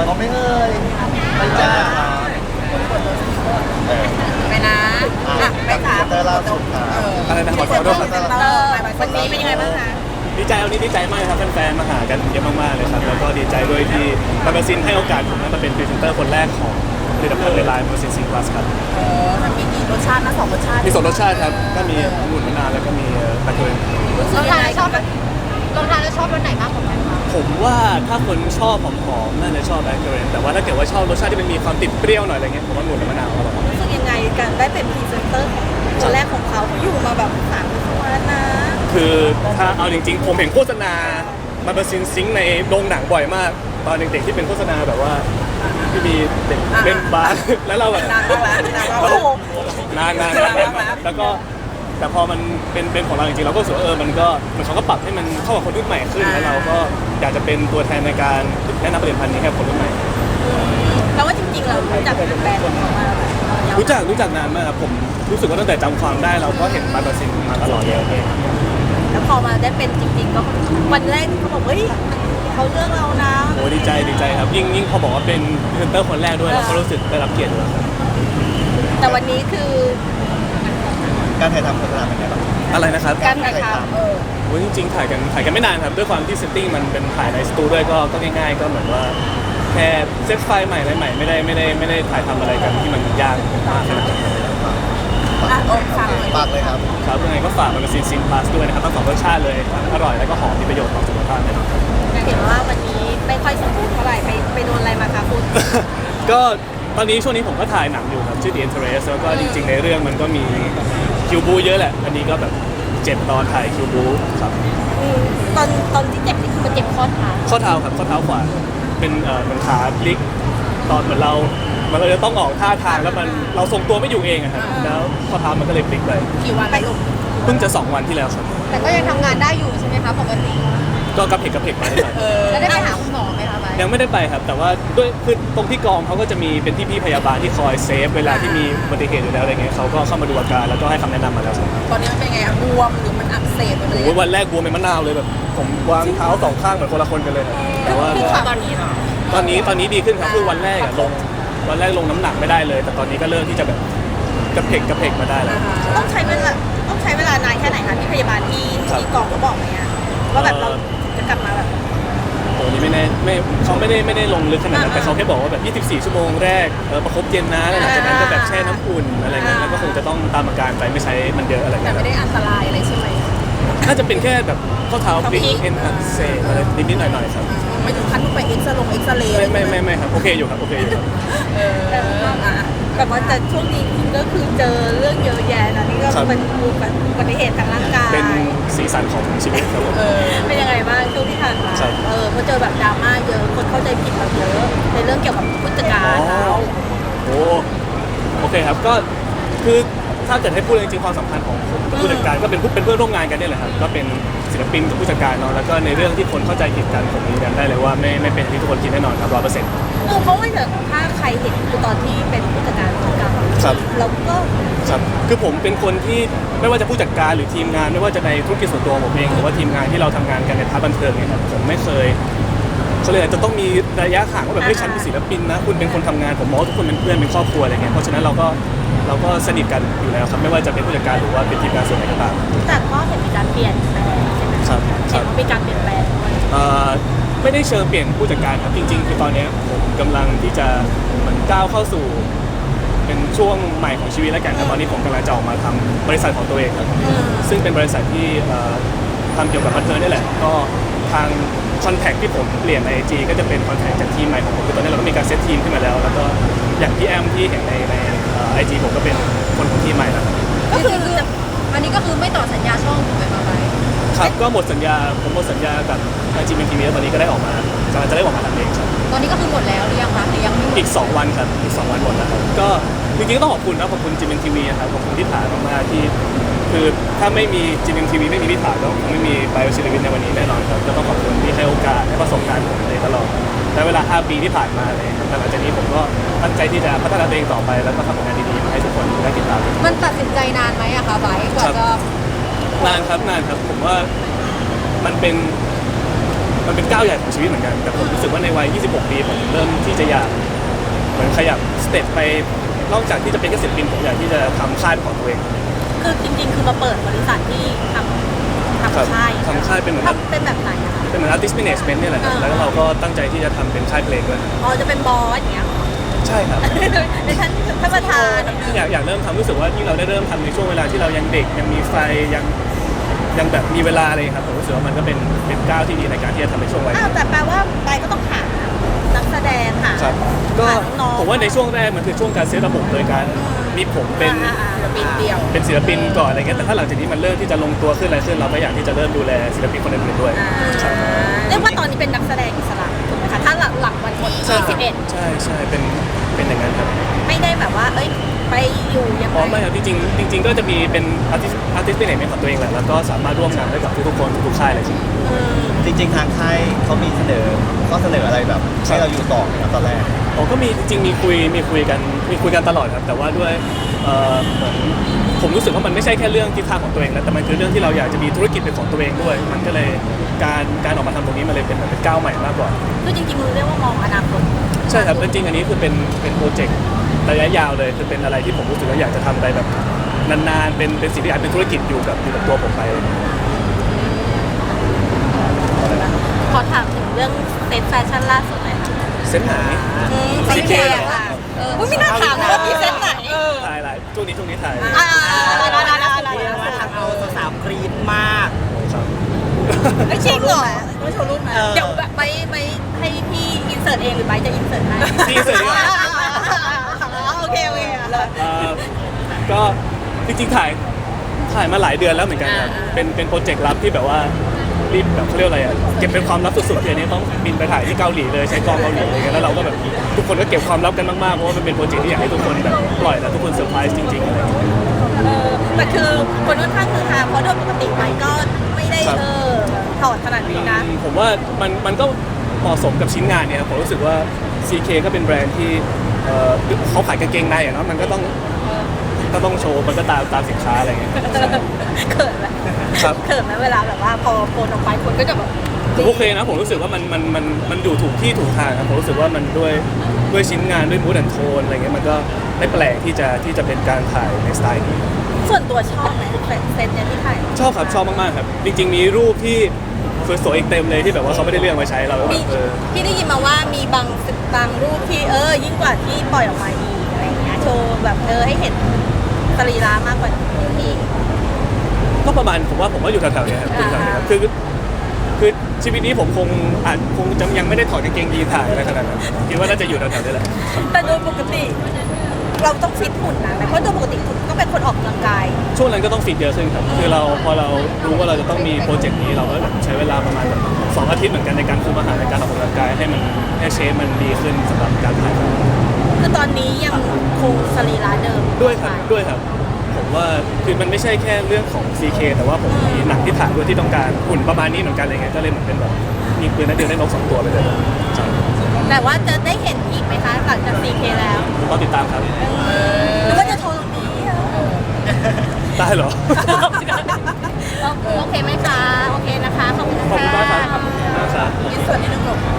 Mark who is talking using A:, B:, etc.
A: เขาไม่เอ่ยไปจ้า
B: ไปนะไปถาม
A: เตอร์ล่าสุดค่ะ
C: อะไรนะขอโทษครับ
B: วันนี้เป็นยังไงบ้างคะ
C: ดีใจวันนี้ดีใจมากครับแฟนๆมาหากันเยอะมากๆเลยครับแล้วก็ดีใจด้วยที่มาเบอร์ซินให้โอกาสผมมาเป็นพรีเซนเตอร์คนแรกของผลิตภัณฑ์ในไลน์มาเบอร์ซินซิงพลัสครับ
B: มันมีกี่รสชาตินะ2 รสชาติ
C: มี2 รสชาติครับก็มีองุ่นมะนาวแล้วก็มีตะเกียบ
B: รู้สึกยังไงชอบลองทานแล้วชอบรสไหนมากกว่ากันคะ
C: ผมว่าถ้าคนชอบหอมๆน่าจะชอบแบล็คเกอร์แต่ว่าถ้าเกิดว่าชอบรสชาติที่มันมีความติดเปรี้ยวหน่อยอะไรเงี้ยผมว่าองุ่นกับมะนาวอร่อย
B: รู้สึกยังไงกันได้เป็นพรีเซนเตอร์ของคนแรกของเขาอยู่มาแบบ3 ปีแล้วนะ
C: คือถ้าเอาจริงๆผมเห็นโฆษณามาเบอร์ซินซิงในโรงหนังบ่อยมากตอนเด็กๆที่เป็นโฆษณาแบบว่าที่มีเด็กเล่นบาสแล้วเราแบบ
B: นานมากแล้ว
C: โอ้โหนานแล้วก็แต่พอมันเป็นของเราจริงๆเราก็รู้สึกว่ามันก็เหมือนเขาก็ปรับให้มันเข้ากับคนรุ่นใหม่ขึ้นแล้วเราก็อยากจะเป็นตัวแทนในการแนะนำผลิตภัณฑ์นี้ให้คนรุ่นใหม่
B: แล้วว่าจริงๆเรารู้จักเป็นแบรนด์ของเขามา
C: รู้จักนานมากครับผมรู้สึกว่าตั้งแต่จำความได้เราก็เห็นมาเบอร์ซินมาตลอดเลย
B: แล้วพอมาได้เป็นจริงๆก็วันแรกเขาบอกเฮ้ยเขาเลือกเรานะ
C: โอ้ดีใจครับยิ่งพอบอกว่าเป็นพรีเซนเตอร์คนแรกด้วยเราก็รู้สึกได้รับเกียรติด้วยครับ
B: แต่วันนี้คือ
A: การถ่ายทำโฆษณาเป็นไงบ้าง
C: อะไรนะครับ
B: การถ่ายทำ
C: โอ้ยจริงๆถ่ายกันไม่นานครับด้วยความที่เซตติ้งมันเป็นถ่ายในสตูด้วยก็ง่ายๆก็เหมือนว่าแค่เซตไฟล์ใหม่อะไรใหม่ไม่ได้ถ่ายทำอะไรกันที่มันยากมากขนาดนั้น
A: ปากเลยครับ
C: ครับยังไงก็ฝากมาเป็นซินพลัสด้วยนะครับทั้ง2 รสชาติเลยทั้งอร่อยแล้วก็หอมมีประโยชน์ต่อสุขภาพนะครับ
B: เห็นว่าวันนี้ไม่ค่อยสมบูรณ์เท่าไหร่ไปโดนอะไรมาคะคุณ
C: ก็ตอนนี้ช่วงนี้ผมก็ถ่ายหนังอยู่ครับชื่อ The Interest แล้วก็จริงๆในเรื่องมันก็มีคิวบูเยอะแหละอันนี้ก็แบบเจ็บตอนถ่ายคิวบูครับ
B: ตอนที่เจ็บนี่คือมันเจ็บข้อเท้า
C: ข้อเท้าครับข้อเท้าขวาเป็นเหมือนขาพลิกตอนเหมือนมันก็จะต้องออกท่าทางแล้วมันเราทรงตัวไม่อยู่เองอะครับแล้วข้อเท้ามันก็เลยพลิกไป
B: กี่วันไปลง
C: เพิ่งจะ2 วันที่แล้วครับ
B: แต่ก็ยังทำงานได้อยู่ใช่ไหมคะปกติ
C: ก็กระเพกมาได้หน่อย
B: แล้วได้ไปหาคุณหมอไหมคะไป
C: ยังไม่ได้ไปครับแต่ว่าด้วยคือตรงที่กองเขาก็จะมีเป็นพี่พยาบาลที่คอยเซฟเวลาที่มีอุบัติเหตุอยู่แล้วอะไรเงี้ยเขาก็เข้ามาดูอาการแล้วก็ให้คำแนะนำมาแล้วครับ
B: ตอนนี้มันเป็นไงบวมหรือมันอักเสบอะไร
C: โอ้ยวันแรกบวมเป็นมะนาวเลยแบบผมวางเท้า2 ข้างเหมือนคนละคนกันเลยครับแต่ว่า
B: ตอนนี้เหรอ
C: ตอนนี้ดีขึ้นครับคือวันแรกลงน้ำหนักไม่ได้เลย แต่ตอนนี้ก็เริ่มที่จะแบบกระเพกมาได้แล้ว
B: ต้องใช้เวลานานแค่ไหนคะที่พยาบาลที่กองเขาบอกไหมอะว่าแบบเราจะกลับมาแบบ
C: โอ้นี่เขาไม่ได้ลงลึกขนาดนั้นแต่เขาแค่บอกว่าแบบ24 ชั่วโมงแรกประคบเย็นนะแล้วหลังจากนั้นก็แบบแช่น้ำอุ่นอะไรเงี้ยแล้วก็คงจะต้องตามอาการไปไม่ใช้มันเยอะอะไร
B: แต่
C: เงี้ย
B: ไม่ได้อันตรายอะไรใช่ไหม
C: น่าจะเป็นแค่แบบข้อเท้าพลิกเอ็นอักเสบอะไรนิดๆหน่อยๆครับ
B: ไม่ถึงขั้นต้องไปเอ็กซเรย์
C: ไม่ครับโอเคอยู่ครับ
B: แบบว่าแต่ช่วงนี้คุณก็คือเจอเรื่องเยอะแยะนะนี่ก็เป็นอุบัติเหตุทางร่างกาย
C: เป็นสีสันของชีวิตครับผม
B: เป็นยังไงบ้างช่วงที่ผ่านมา
C: ครับ
B: พอเจอแบบดราม่าเยอะคนเข้าใจผิดเราเยอะในเรื่องเกี่ยวกับผู้จัดการเรา
C: โอเคครับก็คือถ้าเกิดให้พูดจริงๆความสัมพันธ์ของผมกับผู้จัดการก็เป็นเพื่อนร่วมงานกันนี่แหละครับก็เป็นศิลปินกับผู้จัดการเนาะแล้วก็ในเรื่องที่คนเข้าใจผิดกันผมยืนยันได้เลยว่าไม่เป็นที่ทุกคนคิดแน่นอนครับ100%
B: เพราะว่าถ้าใครเห็นคือตอนที่เป็นผู้จัดการของเรา
C: ครับ
B: เราก็
C: ครับคือผมเป็นคนที่ไม่ว่าจะผู้จัดการหรือทีมงานไม่ว่าจะในธุรกิจส่วนตัวของผมเองหรือว่าทีมงานที่เราทำงานกันในพาร์ทบันเทิงเนี่ยครับผมไม่เคยเขาเลยจะต้องมีระยะห่างว่าแบบเฮ้ยฉันเป็นศิลปินนะคุณเป็นคนทำงานผมมองว่าทุกคนเป็นเพื่อนเป็นครอบครัวอะไรเงี้ยเพราะฉะนั้นเราก็สนิทกันอยู่แล้วครับไม่ว่าจะเป็นผู้จัดการหรือว่าเป็นทีมงานส่วนไหนก็ตาม
B: แต่ก็เห็นมีการเปลี่ยนแปลงใช่ไหม
C: ครับ
B: เห็นว่ามีการเปลี่ยนแปลงด้วย
C: ไม่ได้เชิงเปลี่ยนผู้จัดการครับจริงๆคือตอนนี้ผมกำลังที่จะเหมือนก้าวเข้าสู่เป็นช่วงใหม่ของชีวิตแล้วกันครับตอนนี้ผมกำลังจะออกมาทำบริษัทของตัวเองครับซึ่งเป็นบริษัทที่ทำเกี่ยวกับบันเทิงนี่แหละก็ทางคอนแทคที่ผมเปลี่ยนใน IG ก็จะเป็นคอนแทคจากทีมใหม่ของผมคือตอนนี้เราก็มีการเซตทีมขึ้นมาแล้วแล้วก็อย่างพี่แอมที่เห็นในIG ผมก็เป็นคนของทีมใหม่แล้ว
B: ก็คืออันนี้ก็คือไม่ต่อสัญญาช่องถูกไหมคะไป
C: ครับก็หมดสัญญาผมหมดสัญญากับ IG เป็นทีวีแล้วตอนนี้ก็ได้ออกมากำลังจะได้ออกมาทำเองครับ
B: ตอนนี้ก็คือหมดแล้วหรือยังคะหรือยังไม่หมด
C: อีก 2 วันครับอีก 2 วันหมดแล้วครับก็จริงๆก็ต้องขอบคุณนะขอบคุณจีเอ็มทีวีครับขอบคุณที่ถ่ายมากๆที่คือถ้าไม่มีจีเอ็มทีวีไม่มีที่ถ่ายก็คงไม่มีไบโอชีวิตในวันนี้แน่นอนครับก็ต้องขอบคุณที่ให้โอกาสให้ประสบการณ์ผมเลยตลอดและเวลา 5 ปีที่ผ่านมาเลยครับหลังจากนี้ผมก็ตั้งใจที่จะพัฒนาตัวเองต่อไปแล้วก็ทำผลงานดีๆมาให้ทุกคนได้ติดตาม
B: มันตัดสินใจนานไหมอะคะไบร์ทกว่าจะ
C: นานครับผมว่ามันเป็นมันเป็นก้าวใหญ่ของชีวิตเหมือนกันแต่ผมรู้สึกว่าในวัย 26 ปีผมเริ่มที่จะอยากเหมือนขยับสเต็ปไปนอกจากที่จะเป็นแค่ศิลปินผมอยากที่จะทำค่ายของตัวเอง
B: คือจริงๆคือมาเปิดบริษัทที่ทำค่าย
C: ทำค่ายเป็นเหมือน
B: ทำเป็นแบบไหนอะคะ
C: เป็นเหมือน artist management เนี่ยแหละครับแล้วเราก็ตั้งใจที่จะทำเป็นค่ายเพลงด้วย
B: อ๋อจะเป็นบอสอย่างเงี้ย
C: ใช่ครับ
B: ในท่านประธาน
C: อยากเริ่มทำรู้สึกว่ายิ่งเราได้เริ่มทำในช่วงเวลาที่เรายังเด็กยังมีไฟยังแบบมีเวลาอะไรครับผมรู้สึกว่ามันก็เป็นก้าวที่ดีในการที่จะทำในช่วงวัย
B: อ้าวแต่แปลว่าไปก็ต้องหานักแสดงหา
C: ครับก็
B: หาน้องๆ
C: ผมว่าในช่วงแรกมันคือช่วงการเซตระบบโดยการมีผมเป็น
B: ปีเดียว
C: เป็นศิลปินก่อนอะไรเงี้ยแต่ถ้าหลังจากนี้มันเริ่มที่จะลงตัวขึ้นอะไรขึ้นเราก็อยากที่จะเริ่มดูแลศิลปินคนอื่นๆด้วยครับ
B: เรียกว่าตอนนี้เป็นนักแสดงอิสระถูกไหมคะถ้าหลังวันหมดที่11
C: ใช่เป็นอย่างนั้นครับ
B: ไม่ได้แบบว่าเอ้ยไปอยู่ยัง
C: อ๋อ
B: ไง
C: ไม่ครับจริงๆก็จะมีเป็นartist management ของตัวเองแหละแล้วก็สามารถร่วมงานได้กับทุกๆคนทุกๆค่ายเลยจริง
A: จริง ๆ ทางค่ายเขามีเสนอข้อเสนออะไรแบบให้เราอยู่ต่อไหมครับตอนแรก
C: อ๋อก็มีจริงๆมีคุยกันตลอดครับแต่ว่าด้วยเหมือนผมรู้สึกว่ามันไม่ใช่แค่เรื่องทิศทางของตัวเองแล้วแต่มันคือเรื่องที่เราอยากจะมีธุรกิจเป็นของตัวเองด้วย มันก็เลยการออกมาทำตรงนี้มันเลยเป็นเหมือนเป็นก้าวใหม่มากกว่า
B: คือจริงๆมันเรียกว่ามองอนาคต
C: ใช่ครับจริงๆอันนี้คือเป็นโปรเจกต์ระยะยาวเลยคือเป็นอะไรที่ผมรู้สึกว่าอยากจะทำไปแบบนานๆเป็นสิ่งที่อาจเป็นธุรกิจอยู่กับตัวผมไป
B: ขอถามถึงเรื่องเซ็ตแฟชั่นล่าสุดหน่อยค่ะ
C: เส้นไหน
B: ซีเคค่ะไม่น่าถามนะว่ามีเซ็ตไหน
C: ถ่ายอะไรช่วงนี้ถ่าย
D: ทำเอาสาวๆกรี๊ดมาก
C: ครับ
B: ไม่จริงเหรอไม่โชว์รูปไหมเดี๋ยวแบบไปให้พี่อินเสิร์ตเองหรือไปจะอินเสิร์ตให้
C: พี่เสร็จแล้ว
B: โอเคเลย
C: ก็จริงๆถ่ายมาหลายเดือนแล้วเหมือนกันครับเป็นโปรเจกต์ลับที่แบบว่ารีบแบบเขาเรียกอะไรอ่ะเก็บเป็นความลับสุดๆทีนี้ต้องบินไปถ่ายที่เกาหลีเลยใช้กล้องเกาหลีอะไรเงี้ยแล้วเราก็แบบทุกคนก็เก็บความลับกันมากๆเพราะว่ามันเป็นโปรเจกต์ที่อยากให้ทุกคนแบบปล่อยแล้วทุกคนเซอร์ไพรส์จริงๆอะไรอย่างเงี้ย
B: แต่คือคนค่อนข้างคือฮาเพราะโดยปกติไปก็ไม่ได้ถอดขนาดนี้นะ
C: ผมว่ามันก็เหมาะสมกับชิ้นงานเนี่ยผมรู้สึกว่า CK ก็เป็นแบรนด์ที่เขาขายกางเกงในอะเนาะมันก็ต้องโชว์มันก็ตามสินค้าอะไรเงี้ย
B: เขินไหม
C: ครับ
B: เขินไหมเวลาแบบว่าพอโพสออกไปคนก็จะแบบ
C: ผมโอเคนะผมรู้สึกว่ามันอยู่ถูกที่ถูกทางครับผมรู้สึกว่ามันด้วยชิ้นงานด้วยมูดแอนโทนอะไรเงี้ยมันก็ไม่แปลกที่จะเป็นการถ่ายในสไตล์นี้
B: ส่วนตัวชอบไหมเซตเนี่ยที่ถ่าย
C: ชอบครับชอบมากๆครับจริงๆมีรูปที่สวยๆอีกเต็มเลยที่แบบว่าเขาไม่ได้เลือกมาใช้เราแบบ
B: มีพี่ได้ยินมาว่ามีบางรูปที่ยิ่งกว่าที่ปล่อยออกมาอีกอะไรอย่างเงี้ยโชว์แบบให้เห็นสรีระมากกว่านี้
C: ก็ประมาณผมว่าอยู่แถวๆเนี้ยครับอยู่แถวๆเนี้ยครับคือชีวิตนี้ผมคงจะยังไม่ได้ถอดกางเกงยีนถ่ายอะไรขนาดนั้นคิดว่าน่าจะอยู่แถวๆนี้แหละ
B: แต่โดยปกติ เราต้องฟิตหุ่นนะเพราะโดยปกติคุณก็เป็นคนออกกำลังกาย
C: ช่วงนั้นก็ต้องฟิตเยอะขึ้นครับคือพอเรารู้ว่าเราจะต้องมีโปรเจกต์นี้เราก็แบบใช้เวลาประมาณแบบ2 อาทิตย์เหมือนกันในการคุมอาหารในการออกกำลังกายให้เชฟมันดีขึ้นสำหรับการถ่ายแบบ
B: คือตอนนี้ยังคงสรีระเดิม
C: ด้วยครับผมว่าคือมันไม่ใช่แค่เรื่องของ CK แต่ว่าผมมีหนังที่ถ่ายด้วยที่ต้องการหุ่นประมาณนี้เหมือนกันอะไรเงี้ยก็เลยเหมือนเป็นแบบมีปืนนัดเดียวได้นก2 ตัวไปเลยใช่
B: แต่ว่าจะได้เห็นอีกไหมคะหลังจาก CK แล้ว
C: ต้องติดตามครับ
B: หรือว่าจะโชว์ตรงนี้
C: ได้เหรอ
B: โอเคไหมคะ โอเคนะคะ ขอบคุณ
C: ขอบคุณมากครับ
B: ค่ะ
C: ขอบคุณมากครับ
B: ยินส่วนนิดนึงหลบ